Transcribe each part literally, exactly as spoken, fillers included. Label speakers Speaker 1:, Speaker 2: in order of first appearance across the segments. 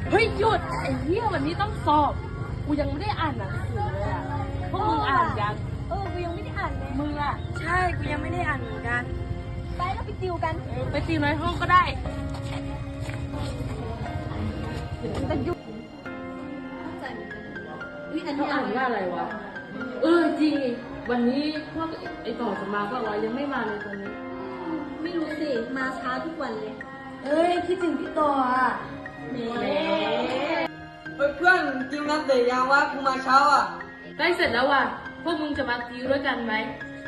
Speaker 1: เฮ้ยหยุดไอ้เหี้ยวันนี้ต้องสอบกูยังไม่ได้อ่านหนังสือเลยอะพวกมึงอ่านยัง
Speaker 2: เออกูยังไม่ได้อ่านเลย
Speaker 1: มึงอะ
Speaker 2: ใช่กูยังไม่ได้อ่านเหมือนกันไปแล้วไปติวกัน
Speaker 1: ไปติวในห้องก็ได้
Speaker 2: แต่ยุวิอันนี้
Speaker 1: เขาอ่านว่าอะไรวะเออจริงวันนี้พวกไอ้ต่อจะมาก็วะยังไม่มาเลยตอนนี้
Speaker 2: ไม่รู้สิมาช้าทุกวันเลยเอ้ยคิดถึงพี่ต่ออ่ะแหม
Speaker 3: เฮ้ยเพื่อนกินน้ำเตะยังวะกูมาเช้าอ่ะ
Speaker 1: ใกล้เสร็จแล้วว่ะพวกมึงจะมาติวด้วยกันไหม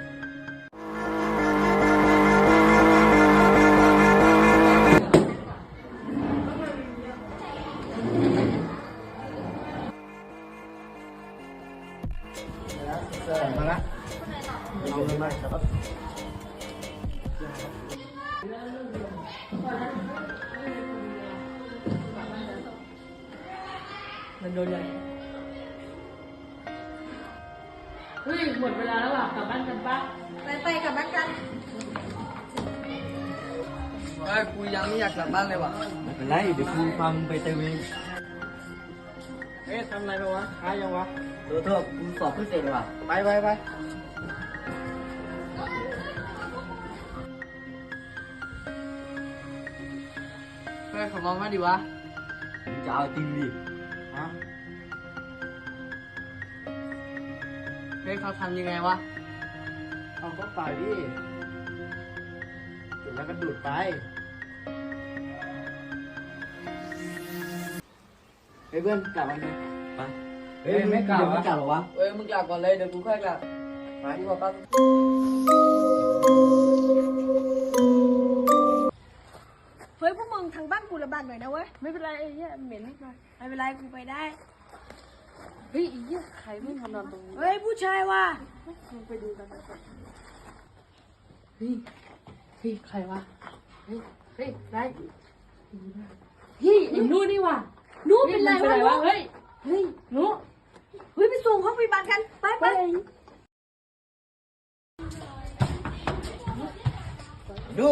Speaker 4: มาละเอาเลยมาครับ
Speaker 1: มันโดนเลยเฮ้ยหมดเวลาแล้วว่ะกลับบ้านกันปะ
Speaker 2: ไปไปกลับบ้านกัน
Speaker 3: เฮ้ยกูยังไม่อยากกลับบ้านเลยว่ะ
Speaker 4: ไม่เป็นไรเดี๋ยวกูฟังไปเติมเองเอ๊ะทำอะไรไปวะหายังวะเออเถอะกูสอบเพิ่งเสร็จเลยว่ะไปไปไป
Speaker 3: เฮ้ยขอมองมาดิวะ
Speaker 4: จะเอาจริงดิฮะ
Speaker 3: เฮ้ยเขาทำยังไงวะ
Speaker 4: เอาก็เปล่าดิจุดแล้วก็ดูดไปเฮ้ยเพื่อนกลับมาเนี่ยไปเฮ้ยไม่กลับไม่กลับหรอวะ
Speaker 3: เฮ้ยมึงกลับก่อนเลยเดี๋ยวกูค่อยกลับมาดีกว่าป้า
Speaker 2: เฮ้ยพวกมึงทางบ้านกูระบาดหน่อยนะเว้ย
Speaker 1: ไม่เป็นไรไอ้เหี้ยเหม็นนิดหน่อย
Speaker 2: ไม่เป็นไรกูไปได้
Speaker 1: เฮ้ยไอ้เหี้ยใครไม่มานอนตรงนี้
Speaker 2: เฮ้ยผู้ชายว่ะ
Speaker 1: มึงไปดูกันไปก่อนเฮ้ยเฮ้ยใครวะเฮ้ยเฮ้ยไรเฮ้ยไอ้นู่นนี่ว่ะ
Speaker 2: นู้เป็นไรวะ
Speaker 1: เฮ้ย
Speaker 2: เฮ้ย
Speaker 1: นู่
Speaker 2: เฮ้ยไปส่งห้องพยาบาลกันไปไป
Speaker 4: ดู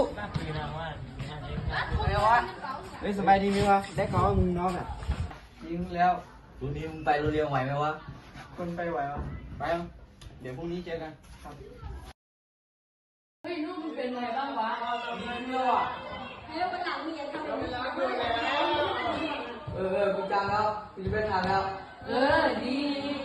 Speaker 3: ไงวะ
Speaker 4: เฮ้ยสบายดีไหมวะได้ข่าวว่ามึงน้องอ่ะ
Speaker 3: ยิงแล้ว
Speaker 4: รุ่นนี้มึงไปโรงเรียนไหวไหมวะ
Speaker 3: คนไปไหววะ
Speaker 4: ไปอ่ะเดี๋ยวพรุ่งนี้เจอกันครับ
Speaker 1: เฮ้ยนู่มึงเป็นไงบ้างวะ
Speaker 3: ดีขึ้นแล้วอ่ะ
Speaker 2: เร็ววันหลังมึงอย่าทำแบบนี้
Speaker 3: เออเออกูจำแล้วกูจะไม่ทำแล้ว
Speaker 1: เออดี